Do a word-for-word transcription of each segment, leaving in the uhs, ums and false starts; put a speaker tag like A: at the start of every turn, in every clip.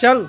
A: चल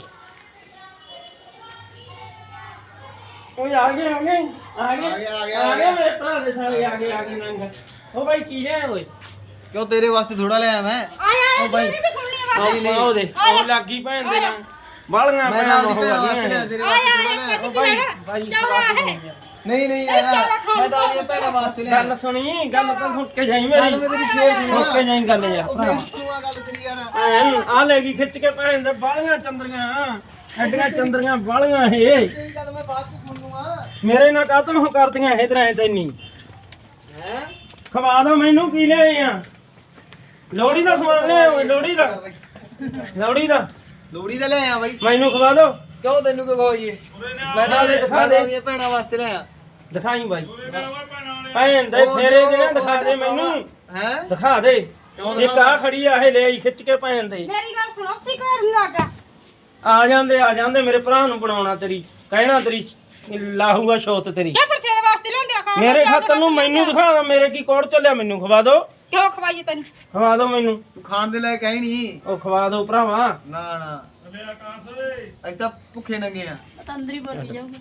A: ओए आ गए आ गए आ गए आ गए आ गए मेरे भरा दे साले आ गए आ गए नंगा ओ भाई की ले ओए
B: क्यों तेरे वास्ते थोड़ा ले आया मैं
C: आया
A: ओ भाई
C: तेरी भी सुननी है बस
A: नहीं ओ दे ओ लागी भैन दे ना बालियां
B: मैं
A: भैन
B: तो
A: हो
B: वास्ते
A: गईਆਂ
B: तेरे वास्ते थोड़ा ले आया
A: ओ भाई भाई
C: चौड़ा है
B: नहीं नहीं यार मैं तो ये पहले वास्ते ले आया
A: गल सुनी गल तो सुन के जाई मेरी
B: मैं तेरी शेर
A: सुन के जाई गल यार भरा
B: सुना गल तेरी यार
A: आ लेगी खिच के भैन दे बालियां चंदरियां ਐਡੀਆਂ ਚੰਦਰੀਆਂ ਵਾਲੀਆਂ ਇਹ
B: तेरी गल मैं बात तो सुन लूंगा
A: ਮੇਰੇ ਨਾਲ ਕਾਤੋਂ ਹੋ ਕਰਦੀਆਂ ਇਹ ਤਰ੍ਹਾਂ ਤੈਨੀ
B: हैं
A: ਖਵਾ ਦੋ ਮੈਨੂੰ ਕੀ ਲੈ ਆਈ ਆ ਲੋੜੀ ਦਾ ਸਮਾਨ ਲੈ ਓਏ ਲੋੜੀ ਦਾ ਲੋੜੀ ਦਾ
B: लोड़ी दा ले आया भाई
A: ਮੈਨੂੰ ਖਵਾ ਦੋ
B: क्यों तेनू को भाई ये मैं तो मैं तो ये भैणा वास्ते ले आया
A: ਦਿਖਾਈ ਬਾਈ ਭੈਣ ਦੇ ਫੇਰੇ ਜਿਹੜੇ ਦਿਖਾ ਦੇ ਮੈਨੂੰ
B: हैं
A: ਦਿਖਾ ਦੇ ਇੱਕ ਆ ਖੜੀ ਆ ਇਹ ਲੈ ਆਈ ਖਿੱਚ ਕੇ ਭੈਣ ਦੇ
C: ਮੇਰੀ ਗੱਲ ਸੁਣੋ ਉੱਥੇ ਘਰ ਨੂੰ ਲੱਗਾ
A: ਆ ਜਾਂਦੇ ਆ ਜਾਂਦੇ ਮੇਰੇ ਭਰਾ ਨੂੰ ਬਣਾਉਣਾ ਤੇਰੀ ਕਹਿਣਾ ਤੇਰੀ ਲਾਹੂਗਾ ਸ਼ੋਤ ਤੇਰੀ
C: ਕਿਆ ਫਿਰ ਤੇਰੇ ਵਾਸਤੇ ਲਿਆਉਂਦੇ ਆ ਖਾਣ
A: ਮੇਰੇ ਖਾਤਰ ਨੂੰ ਮੈਨੂੰ ਦਿਖਾ ਮੇਰੇ ਕੀ ਕੋੜ ਚੱਲਿਆ ਮੈਨੂੰ ਖਵਾ ਦੋ
C: ਕਿਉਂ ਖਵਾਈਏ ਤੈਨੂੰ
A: ਖਵਾ ਦੋ ਮੈਨੂੰ
B: तू खान दे लायक है ही नहीं
A: ਉਹ ਖਵਾ ਦੋ ਭਰਾਵਾ
B: ना ना ऐसा भुखे नंगे हैं
C: ਤਾਂ ਅੰਦਰ ਹੀ ਬੋਲੀ ਜਾਊਗਾ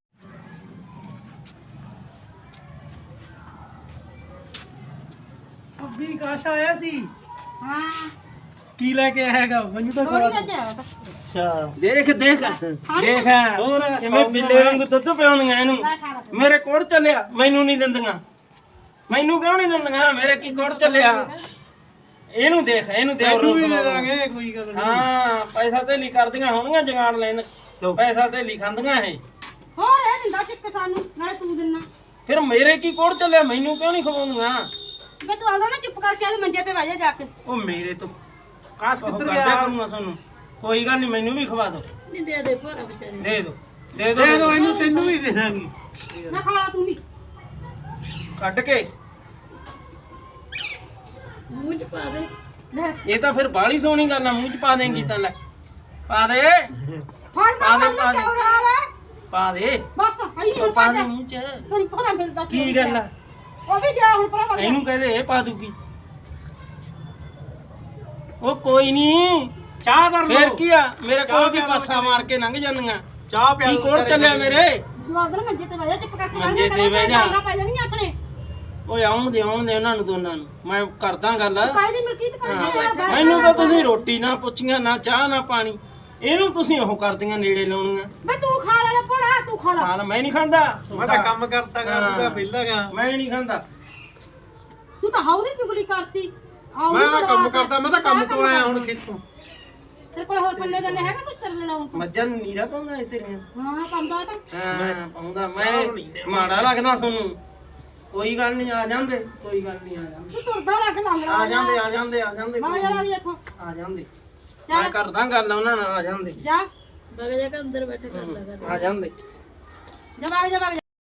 A: ਅੱਬੀ ਕਾਸ਼ ਆਇਆ ਸੀ
C: ਹਾਂ
A: ਕੀ ਲੈ ਕੇ ਆਏਗਾ ਮੈਨੂੰ ਤਾਂ
C: ਥੋੜੀ ਨਾ ਜਾ
A: ਅੱਛਾ ਦੇਖ ਦੇਖ ਦੇਖ ਹੋਰ ਕਿਵੇਂ ਬਿੱਲੇ ਵਾਂਗੂ ਦੁੱਧ ਪਿਆਉਂਦੀਆਂ ਇਹਨੂੰ ਮੇਰੇ ਕੋਲ ਚੱਲਿਆ ਮੈਨੂੰ ਨਹੀਂ ਦਿੰਦੀਆਂ ਮੈਨੂੰ ਕਿਉਂ ਨਹੀਂ ਦਿੰਦੀਆਂ ਮੇਰੇ ਕੀ ਕੋਲ ਚੱਲਿਆ ਇਹਨੂੰ ਦੇਖ ਇਹਨੂੰ ਦੇ
B: ਵੀ ਦੇ ਦਾਂਗੇ ਕੋਈ ਗੱਲ
A: ਹਾਂ ਪੈਸਾ ਤੇ ਲਈ ਕਰਦੀਆਂ ਹੋਣਗੀਆਂ ਜਗਾੜ ਲੈਣ ਪੈਸਾ ਤੇ ਲਈ ਖਾਂਦੀਆਂ ਇਹ
C: ਹੋਰ ਇਹ ਦਿੰਦਾ ਚਿੱਕ ਸਾਨੂੰ ਨਾਲੇ ਤੂੰ ਦਿੰਨਾ
A: ਫਿਰ ਮੇਰੇ ਕੀ ਕੋਲ ਚੱਲਿਆ ਮੈਨੂੰ ਕਿਉਂ ਨਹੀਂ ਖਵਾਉਂਦੀਆਂ
C: ਮੈਂ ਤੂੰ ਆਉਂਦਾ ਨਾ ਚੁੱਪ ਕਰਕੇ ਆ ਮੰਜੇ ਤੇ ਬਹਿ ਜਾ ਜਾ ਕੇ
A: ਉਹ ਮੇਰੇ ਤੋਂ ਕਾਸ ਕਿੱਧਰ ਗਿਆ ਕਰੂੰਗਾ ਤੁਹਾਨੂੰ ਕੋਈ ਗੱਲ ਨਹੀਂ ਮੈਨੂੰ ਵੀ ਖਵਾ ਦਿਓ
C: ਨਹੀਂ ਦੇ ਦੇ ਭੋਰਾ ਵਿਚਾਰੇ
A: ਦੇ ਦਿਓ ਦੇ ਦਿਓ ਦੇ ਦਿਓ ਇਹਨੂੰ ਤੈਨੂੰ ਵੀ ਦੇ ਦਾਂਗੀ
C: ਨਾ ਖਾ ਲਾ ਤੂੰ ਵੀ
A: ਕੱਢ ਕੇ
C: ਮੂੰਹ ਚ ਪਾ ਦੇ ਲੈ
A: ਇਹ ਤਾਂ ਫਿਰ ਬਾਲੀ ਸੋਹਣੀ ਗੱਲ ਆ ਮੂੰਹ ਚ ਪਾ ਦੇਂਗੀ ਤਾਂ ਲੈ ਪਾ ਦੇ
C: ਫੜ
A: ਪਾ
C: ਦਾ
A: ਦੇ,
C: ਫੜ
A: ਪਾ ਦੇ।
C: ਚੌੜਾ ਲੈ
A: ਪਾ ਦੇ
C: ਬਸ ਆਈ
A: ਉਹ
C: ਹੁਣ
A: ਪਾ
C: ਪਾ
A: ਦੇ
C: ਦੇ
A: ਮੂੰਹ ਚ
C: ਤੈਨੂੰ ਪਤਾ ਮਿਲਦਾ
A: ਕੀ ਗੱਲ ਆ
C: ਉਹ ਵੀ ਗਿਆ ਹੁਣ ਭਰਾ
A: ਇਹਨੂੰ ਕਹਦੇ ਇਹ ਪਾ ਦੂਗੀ ਉਹ ਕੋਈ ਨਹੀਂ
B: चाह कर
A: ਫੇਰ ਕੀ ਆ ਮੇਰੇ ਕੋਲ ਦੀ ਪਾਸਾ ਮਾਰ ਕੇ ਲੰਘ ਜਾਂਦੀਆਂ
B: चाह
A: ਕੀ ਕੋੜ ਚੱਲਿਆ ਮੇਰੇ
C: ਦੁਆਦਰ ਮੰਜੇ ਤੇ ਬਹਿ ਜਾ ਚੁੱਪ ਕਰਕੇ
A: ਮੰਜੇ ਤੇ ਬਹਿ ਜਾ।
C: ਪੈ ਜਾਣੀ ਆਪਣੇ
A: ਓਏ ਆਉਣ ਦੇ ਆਉਣ ਦੇ ਉਹਨਾਂ ਨੂੰ ਦੋਨਾਂ ਨੂੰ ਮੈਂ ਕਰਦਾ ਗੱਲ
C: ਕਾਇ ਦੀ ਮਲਕੀਤ ਕਰ
A: ਹਾਂ, ਮੈਨੂੰ ਤਾਂ ਤੁਸੀਂ ਰੋਟੀ ਨਾ ਪੁੱਛੀਆਂ ਨਾ ਚਾਹ ਨਾ ਪਾਣੀ ਇਹਨੂੰ ਤੁਸੀਂ ਉਹ ਕਰਦੀਆਂ ਨੇੜੇ ਲਾਉਣੀਆਂ
C: ਬੇ ਤੂੰ ਖਾ ਲੈ ਭਰਾ ਤੂੰ ਖਾ ਲੈ
A: ਹਾਲ ਮੈਂ ਨਹੀਂ ਖਾਂਦਾ
B: मैं तो काम करता
A: करता,
B: ਪਹਿਲਾਂ ਗਾ
A: ਮੈਂ ਨਹੀਂ ਖਾਂਦਾ
C: ਤੂੰ ਤਾਂ ਹਾਉ ਦੀ ਚੁਗਲੀ ਕਰਤੀ ਆਉ
B: ਮੈਂ ਤਾਂ ਕੰਮ ਕਰਦਾ ਮੈਂ ਤਾਂ ਕੰਮ ਤੋਂ ਆਇਆ ਹੁਣ ਖੇਤੋਂ
C: ਤੇਰੇ ਕੋਲ ਹੋਰ ਪੱਲੇ ਦਾ ਹੈਗਾ ਕੁਝ ਕਰ ਲੈਣਾ ਹੁਣ
A: ਮੱਝਾਂ ਨੂੰ ਨੀਰਾ ਪਾਉਂਦਾ ਇਸ ਤੇਰੀਆਂ
C: ਹਾਂ ਪਾਉਂਦਾ ਤਾਂ
A: ਹਾਂ ਪਾਉਂਦਾ ਮੈਂ ਮਾੜਾ ਲੱਗਦਾ ਤੁਹਾਨੂੰ ਕੋਈ ਗੱਲ ਨਹੀਂ ਆ ਜਾਂਦੇ ਕੋਈ ਗੱਲ ਨਹੀਂ ਆ ਜਾਂਦੇ
C: ਤੂੰ ਤੁਰਦਾ ਲੱਗ ਲੰਗ
A: ਆ ਜਾਂਦੇ ਆ ਜਾਂਦੇ ਆ ਜਾਂਦੇ
C: ਮਾਂ ਜਰਾ ਵੀ ਇੱਥੋਂ
A: ਆ ਜਾਂਦੇ ਮੈਂ ਕਰਦਾ ਗੱਲ ਉਹਨਾਂ ਨਾਲ ਆ ਜਾਂਦੇ
C: ਜਾ ਬਵੇ ਜਾ ਕੇ ਅੰਦਰ ਬੈਠੇ ਕਰ ਲੈ
A: ਆ ਜਾਂਦੇ
C: ਜਾ ਬਾਗ ਜਾ ਬਾਗ